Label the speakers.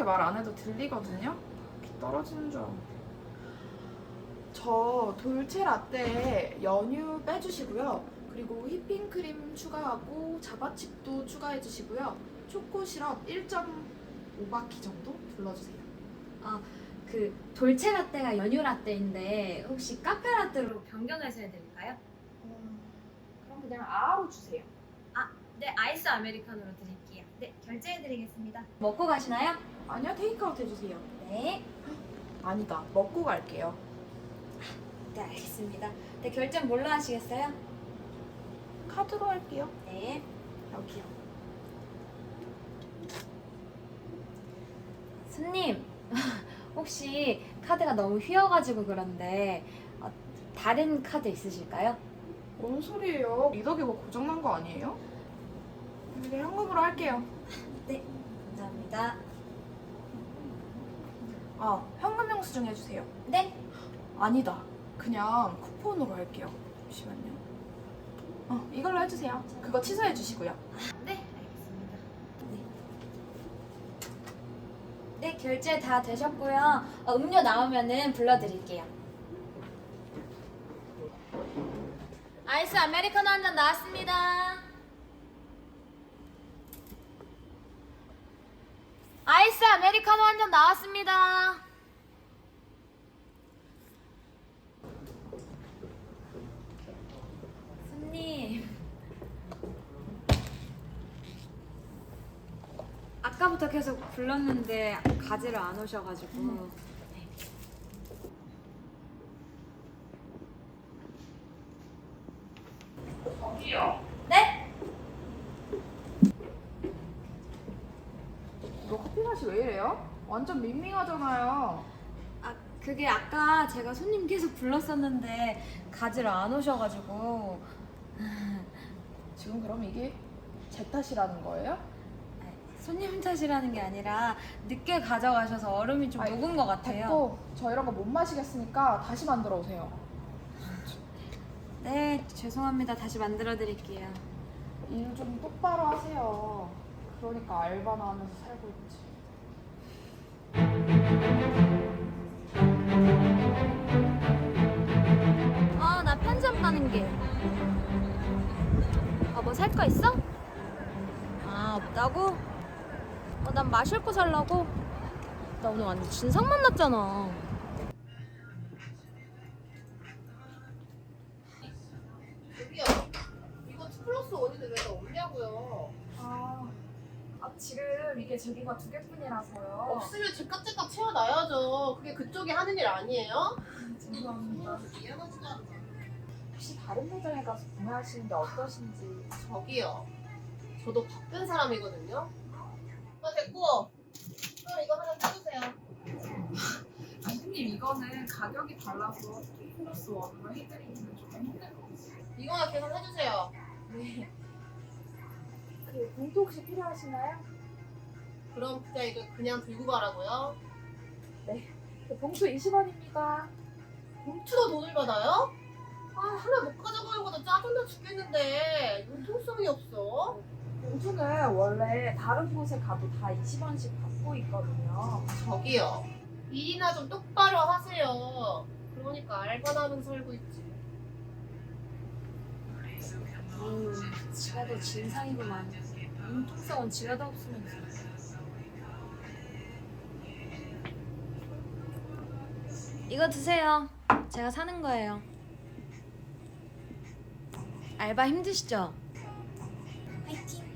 Speaker 1: 말 안 해도 들리거든요? 귀 떨어지는 줄 알았는데. 저 돌체 라떼에 연유 빼주시고요. 그리고 휘핑크림 추가하고 자바칩도 추가해주시고요. 초코 시럽 1.5바퀴 정도 둘러주세요.
Speaker 2: 그 돌체 라떼가 연유 라떼인데 혹시 카페 라떼로 변경해서 해드릴까요?
Speaker 1: 그럼 그냥 아로 주세요.
Speaker 2: 네, 아이스 아메리카노로 드릴게요. 네, 결제해드리겠습니다. 먹고 가시나요?
Speaker 1: 아니요, 테이크아웃 해주세요.
Speaker 2: 네.
Speaker 1: 아니다, 먹고 갈게요.
Speaker 2: 네, 알겠습니다. 네, 결제는 뭘로 하시겠어요?
Speaker 1: 카드로 할게요.
Speaker 2: 네.
Speaker 1: 여기요.
Speaker 2: 손님, 혹시 카드가 너무 휘어가지고 그런데 다른 카드 있으실까요?
Speaker 1: 뭔 소리예요? 리더기 뭐 고장난 거 아니에요? 이제 현금으로 할게요.
Speaker 2: 네, 감사합니다.
Speaker 1: 현금 영수증 해주세요.
Speaker 2: 네.
Speaker 1: 아니다, 그냥 쿠폰으로 할게요. 잠시만요. 이걸로 해주세요. 그거 취소해 주시고요.
Speaker 2: 네, 알겠습니다. 네. 네, 결제 다 되셨고요. 음료 나오면은 불러드릴게요. 아이스 아메리카노 한 잔 나왔습니다. 아이스 아메리카노 한 잔 나왔습니다. 손님, 아까부터 계속 불렀는데 가지를 안 오셔가지고.
Speaker 1: 저기요.
Speaker 2: 네?
Speaker 1: 이거 커피 맛이 왜 이래요? 완전 밍밍하잖아요.
Speaker 2: 그게 아까 제가 손님 계속 불렀었는데 가지를 안 오셔가지고.
Speaker 1: 지금 그럼 이게 제 탓이라는 거예요?
Speaker 2: 손님 탓이라는 게 아니라 늦게 가져가셔서 얼음이 좀 녹은 것 같아요.
Speaker 1: 됐고, 저 이런 거 못 마시겠으니까 다시 만들어 오세요.
Speaker 2: 네, 죄송합니다. 다시 만들어 드릴게요.
Speaker 1: 일 좀 똑바로 하세요. 그러니까 알바나 하면서 살고 있지.
Speaker 2: 나 편의점 가는 길. 뭐 살 거 있어? 없다고? 난 마실 거 살라고. 나 오늘 완전 진상 만났잖아.
Speaker 3: 저기요, 이거 2+1인데 왜 다 없냐고요?
Speaker 1: 지금 이게 제기가 2개뿐이라서요.
Speaker 3: 없으면 즉각즉각 채워놔야죠. 그게 그쪽이 하는 일 아니에요?
Speaker 1: 죄송합니다.
Speaker 3: 미안하지도 않아.
Speaker 1: 혹시 다른 매장에 가서 구매하시는 게 어떠신지.
Speaker 3: 저기요, 저도 바쁜 사람이거든요. 됐고, 그럼 이거 하나 사주세요.
Speaker 1: 선생님, 이거는 가격이 달라서 2+1으로 해드리기는 좀 힘들 것 같아요.
Speaker 3: 이거나 계산해주세요.
Speaker 1: 네. 그 봉투 혹시 필요하신가요?
Speaker 3: 그럼 이거 그냥 들고 가라고요?
Speaker 1: 그 봉투 20원입니다.
Speaker 3: 봉투로 돈을 받아요? 하나 못 가져가는 것도 짜증나 죽겠는데 융통성이 없어.
Speaker 1: 봉투는 원래 다른 곳에 가도 다 20원씩 받고 있거든요.
Speaker 3: 저기요, 일이나 좀 똑바로 하세요. 그러니까 알바나 하면서 살고 있지.
Speaker 2: 지가 더 진상이구만. 융통성은 지가 더 없으면서. 이거 드세요. 제가 사는 거예요. 알바 힘드시죠? 화이팅!